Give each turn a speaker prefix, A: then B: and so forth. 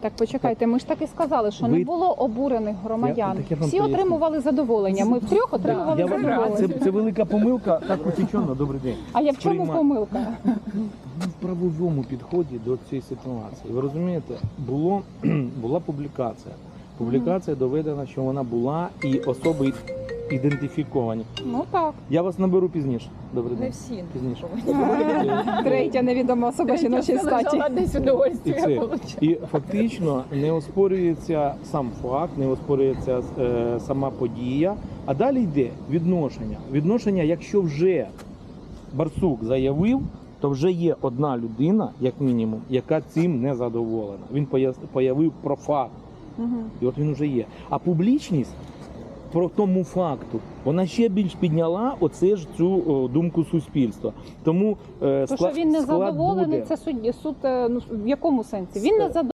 A: Так, почекайте, ми ж так і сказали, що
B: Ви-
A: не було обурених громадян.
B: Так я вам
A: Всі
B: поясню.
A: отримували задоволення. Ми втрьох отримували
B: Я вам-
A: задоволення.
B: це велика помилка, так утічено, добрий день.
A: А я в чому
B: Сприймаю.
A: помилка?
B: В правовому підході до цієї ситуації. Ви розумієте, була публікація. Публікація доведена, що вона була і особи ідентифіковані.
A: Ну так.
B: Я вас наберу пізніше. Добрий
C: Не
B: день.
C: всі.
B: Пізніше.
A: Третя невідома особа жіночої статі.
C: Десь
B: І,
C: удовольствие
B: це.
C: получила.
B: І фактично не оспорюється сам факт, не оспорюється сама подія, а далі йде відношення. Відношення, якщо вже Барсук заявив, то вже є одна людина, як мінімум, яка цим не задоволена. Він появив про факт.
A: Мгм.
B: І от він вже є. А публічність про тому факту, вона ще більш підняла цю думку суспільства. Тому
A: То, що він не задоволений, це суд, в якому сенсі? Він не задоволений.